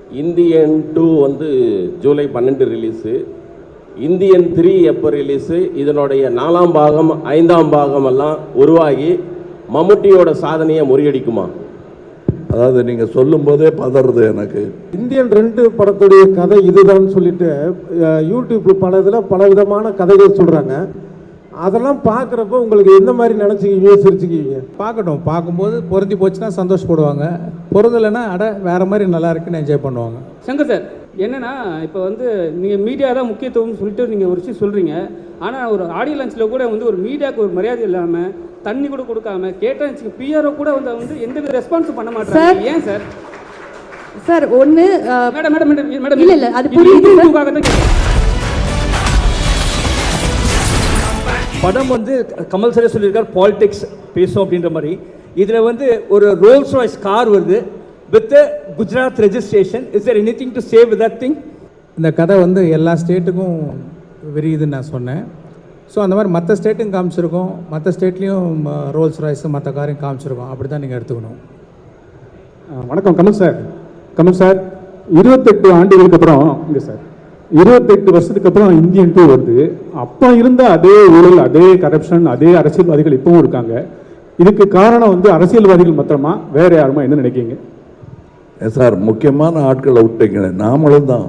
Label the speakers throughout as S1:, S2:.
S1: Indian 2 வந்து July 12 release. Indian 3 எப்போ release? இதனுடைய 4ஆம் பாகம் 5ஆம் பாகம் எல்லாம் உருவாகி மம்முட்டியோட சாதனையை முறியடிக்குமா?
S2: அதாவது நீங்கள் சொல்லும் போதே பதறது எனக்கு.
S3: இந்தியன் 2 படத்துடைய கதை இதுதான் சொல்லிட்டு யூடியூப் பல இதில் பல விதமான கதைகள் சொல்கிறாங்க. அதெல்லாம் பார்க்குறப்ப உங்களுக்கு எந்த மாதிரி நினச்சிக்கிங்க, சிரிச்சுக்குவீங்க?
S4: பார்க்கட்டும், பார்க்கும்போது பொருந்தி போச்சுன்னா சந்தோஷப்படுவாங்க, பொருந்தலைன்னா வேறு மாதிரி நல்லா இருக்குன்னு என்ஜாய் பண்ணுவாங்க.
S5: சங்கர் சார், என்னென்னா இப்போ வந்து நீங்கள் மீடியா தான் முக்கியத்துவம்னு சொல்லிட்டு நீங்கள் ஒரு விஷயம் சொல்கிறீங்க. ஆனால் ஒரு ஆடியோ லான்ச்சில் கூட வந்து ஒரு மீடியாவுக்கு ஒரு மரியாதை இல்லாமல், தண்ணி கூட கொடுக்காம, கேட்டாச்சு பிஆர்ஓ கூட வந்து எந்த ரெஸ்பான்ஸும் பண்ண மாட்டாங்க. ஏன் சார்?
S6: சார் ஒன்று
S5: மேடம் மேடம் மேடம் மேடம்
S6: இல்லை இல்லை அது புரியுது.
S7: படம் வந்து கமல் சாரே சொல்லியிருக்கார், பாலிடிக்ஸ் பேசும் அப்படின்ற மாதிரி. இதில் வந்து ஒரு ரோல்ஸ் ராய்ஸ் கார் வருது with Gujarat registration. Is there anything to save with that thing?
S4: இந்த கதை வந்து எல்லா ஸ்டேட்டுக்கும் விரியுதுன்னு நான் சொன்னேன். ஸோ அந்த மாதிரி மற்ற ஸ்டேட்டும் காமிச்சிருக்கோம், மற்ற ஸ்டேட்லேயும் ரோல்ஸ் ராய்ஸு மற்ற காரையும் காமிச்சிருக்கோம். அப்படி தான் நீங்கள் எடுத்துக்கணும்.
S8: வணக்கம் கமல் சார். கமல் சார், 28 ஆண்டுகளுக்கு அப்புறம் இங்கே சார் 28 வருஷத்துக்கு அப்புறம் இந்தியன் 2 வருது. அப்போ இருந்த அதே ஊழல், அதே கரப்ஷன், அதே அரசியல்வாதிகள் இப்பவும் இருக்காங்க. இதுக்கு காரணம் வந்து அரசியல்வாதிகள் மாத்திரமா, வேற யாருமா என்ன நினைக்கிறீங்க?
S2: சார், முக்கியமான ஆட்களை விட்டீங்க. நாமளும் தான்.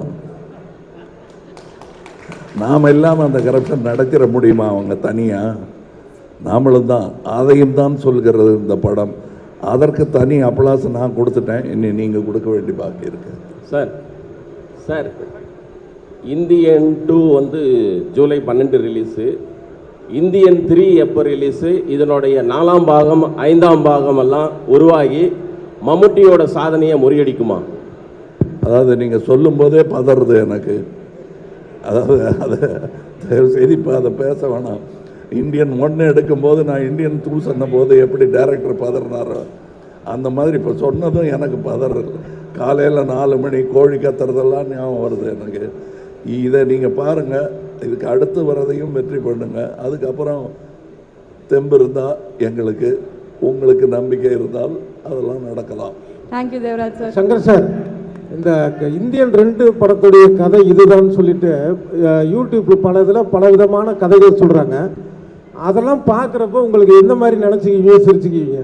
S2: நாம் இல்லாமல் அந்த கரப்ஷன் நடத்திட முடியுமா அவங்க தனியாக? நாமளும் தான். அதையும் தான் சொல்கிறது இந்த படம். அதற்கு தனி அப்ளாஸ் நான் கொடுத்துட்டேன். இனி நீங்கள் கொடுக்க வேண்டிய பாக்கி இருக்கு.
S1: சார் சார் இந்தியன் 2 வந்து ஜூலை 12 ரிலீஸு. இந்தியன் 3 எப்போ ரிலீஸு? இதனுடைய 4ஆம் பாகம் 5ஆம் பாகம் எல்லாம் உருவாகி மம்முட்டியோட சாதனையை முறியடிக்குமா?
S2: அதாவது நீங்கள் சொல்லும் போதே பதறது எனக்கு. அதாவது அதை தயவு செய்து இப்போ அதை பேச வேணாம். இந்தியன் 1 எடுக்கும்போது நான் இந்தியன் 2 சொன்ன போது எப்படி டைரக்டர் பதறினாரோ அந்த மாதிரி இப்போ சொன்னதும் எனக்கு பதறது. காலையில் 4 மணி கோழி கத்துறதெல்லாம் ஞாபகம் வருது எனக்கு. இதை நீங்கள் பாருங்கள். இதுக்கு அடுத்து வரதையும் வெற்றி பண்ணுங்க. அதுக்கப்புறம் தெம்பு இருந்தால் எங்களுக்கு, உங்களுக்கு நம்பிக்கை இருந்தால் அதெல்லாம் நடக்கலாம்.
S6: Thank you Devaraj sir.
S3: Shankar sir, இந்த இந்தியன் 2 படத்துடைய கதை இதுதான் சொல்லிட்டு யூடியூப் பல இதில் பல விதமான கதைகள் சொல்கிறாங்க. அதெல்லாம் பார்க்குறப்ப உங்களுக்கு எந்த மாதிரி நினச்சிக்கிங்க, சிரிச்சுக்குவீங்க?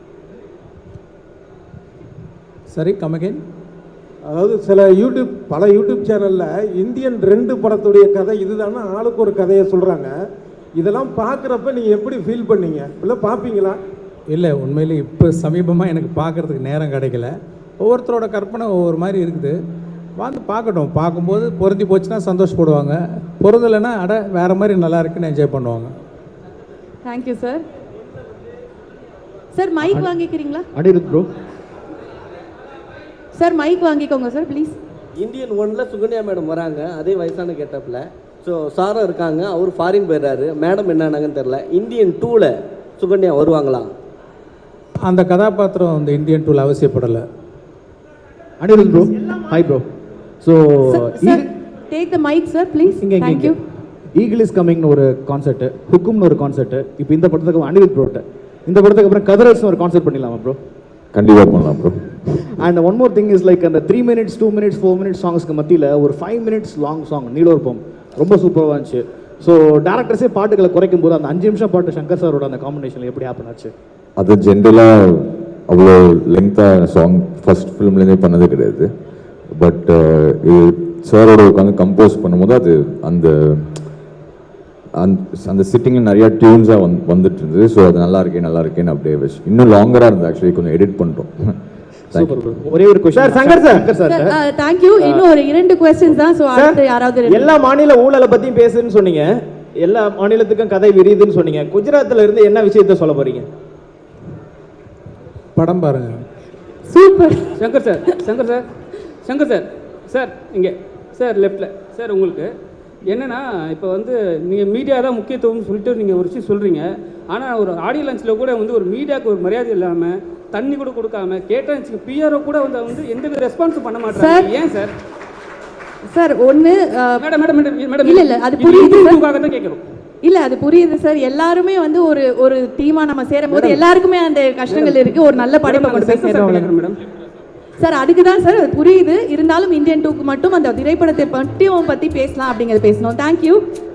S4: சரி, கமகேன்.
S3: அதாவது சில பல யூடியூப் சேனலில் இந்தியன் 2 படத்துடைய கதை இதுதானே ஆளுக்கு ஒரு கதையை சொல்கிறாங்க. இதெல்லாம் பார்க்குறப்ப நீங்கள் எப்படி ஃபீல் பண்ணீங்க? இல்லை பார்ப்பீங்களா?
S4: இல்லை, உண்மையிலே இப்போ சமீபமாக எனக்கு பார்க்குறதுக்கு நேரம் கிடைக்கல. ஒவ்வொருத்தரோட கற்பனை ஒவ்வொரு மாதிரி இருக்குது. வந்து பார்க்கட்டும், பார்க்கும்போது பொருந்தி போச்சுன்னா சந்தோஷப்படுவாங்க, பொருந்தலைன்னா வேறு மாதிரி நல்லா இருக்குன்னு என்ஜாய் பண்ணுவாங்க.
S6: Thank you sir. சார் மைக் வாங்கிக்கிறீங்களா?
S8: அனிருத் ப்ரோ.
S6: சார் மைக் வாங்கிக்கோங்க சார் ப்ளீஸ்.
S9: இந்தியன் 1ல் சுகன்யா மேடம் வராங்க, அதே வயசான கெட்டப்பில். ஸோ சாரும் இருக்காங்க, அவர் ஃபாரின் போயிடுறாரு. மேடம் என்னன்னாங்கன்னு தெரில. இந்தியன் 2ல் சுகன்யா வருவாங்களா?
S4: அந்த கதாபாத்திரம் இந்த இந்தியன் 2ல் அவசியப்படலை.
S8: Anirudh bro. Hi bro. So
S6: take the mike sir please. Thank you.
S8: Eagle is கமிங்னு ஒரு கான்செர்ட், ஹுக்கும்னு ஒரு கான்செர்ட். இப்போ இந்த படத்துக்கு அனிருத் ப்ரோட்ட, இந்த படத்துக்கு அப்புறம் கதரஸ்னு ஒரு கான்செர்ட் பண்ணிடலாமா ப்ரோ?
S2: கண்டிப்பாக பண்ணலாம் bro.
S8: And one more thing is like அந்த 3 minutes 2 minutes 4 minutes சாங்ஸ்க்கு மத்தியில் ஒரு 5 minutes லாங் சாங் நீலோர்பம் ரொம்ப சூப்பராக இருந்துச்சு. ஸோ டேரக்டர்ஸே பாட்டுகளை குறைக்கும் போது அந்த 5 நிமிஷம் பாட்டு சங்கர் சாரோட அந்த காம்பினேஷனில் எப்படி ஹேப்பன் ஆச்சு?
S10: அது ஜென்ரலாக அவ்வளோ லெங்க்த்தாக சாங் ஃபர்ஸ்ட் ஃபிலிம்லேருந்தே பண்ணது கிடையாது. பட் இது சாரோட உட்காந்து கம்போஸ் பண்ணும்போது அது அந்த அந்த சிட்டிங்கில் நிறையா டியூன்ஸாக வந்துட்டு இருந்தது. ஸோ அது நல்லா இருக்கேன்னு அப்படியே வச்சு இன்னும் லாங்கராக இருந்தது. ஆக்சுவலி கொஞ்சம் எடிட் பண்ணிட்டோம்.
S8: ஒரே ஒரு क्वेश्चन சங்கர் சார்.
S6: தேங்க்யூ. இன்னும் ஒரு 2 क्वेश्चंस தான். சோ அடுத்து யாராவது
S9: எல்லா மாநில ஊழலை பத்தியும் பேசுன்னு சொன்னீங்க, எல்லா மாநிலத்துக்கும் கதை விரியுதுன்னு சொன்னீங்க. குஜராத்ல இருந்து என்ன விஷயத்தை சொல்ல போறீங்க?
S4: படம் பாருங்க.
S6: Super.
S5: Shankar sir, Shankar sir, Shankar sir, sir இங்கே சார் லெஃப்டில் சார். உங்களுக்கு என்னென்னா இப்போ வந்து நீங்கள் மீடியா தான் முக்கியத்துவம்னு சொல்லிட்டு நீங்கள் ஒரு விஷயம் சொல்கிறீங்க. ஆனால் ஒரு ஆடியோ லான்ச்சில் கூட வந்து ஒரு மீடியாவுக்கு ஒரு மரியாதை இல்லாமல், தண்ணி கூட கொடுக்காம, கேட்டாச்சு பிஆர்ஓ கூட வந்து எந்த ரெஸ்பான்ஸும் பண்ண மாட்டாங்க. ஏன் சார்?
S6: சார் ஒன்று
S5: மேடம் மேடம் மேடம் மேடம்
S6: இல்லை இல்லை அது புரியுது
S5: தான் கேட்குறோம்.
S6: இல்லை அது புரியுது சார். எல்லாருமே வந்து ஒரு டீமாக நம்ம சேரும் போது எல்லாருக்குமே அந்த கஷ்டங்கள் இருக்குது. ஒரு நல்ல படைப்பை கொண்டு போய் சேர்றோம் மேடம். சார் அதுக்கு தான் சார் புரியுது, இருந்தாலும் இந்தியன் 2க்கு மட்டும் அந்த திரைப்படத்தை பற்றி பேசலாம் அப்படிங்கிறத பேசணும். தேங்க்யூ.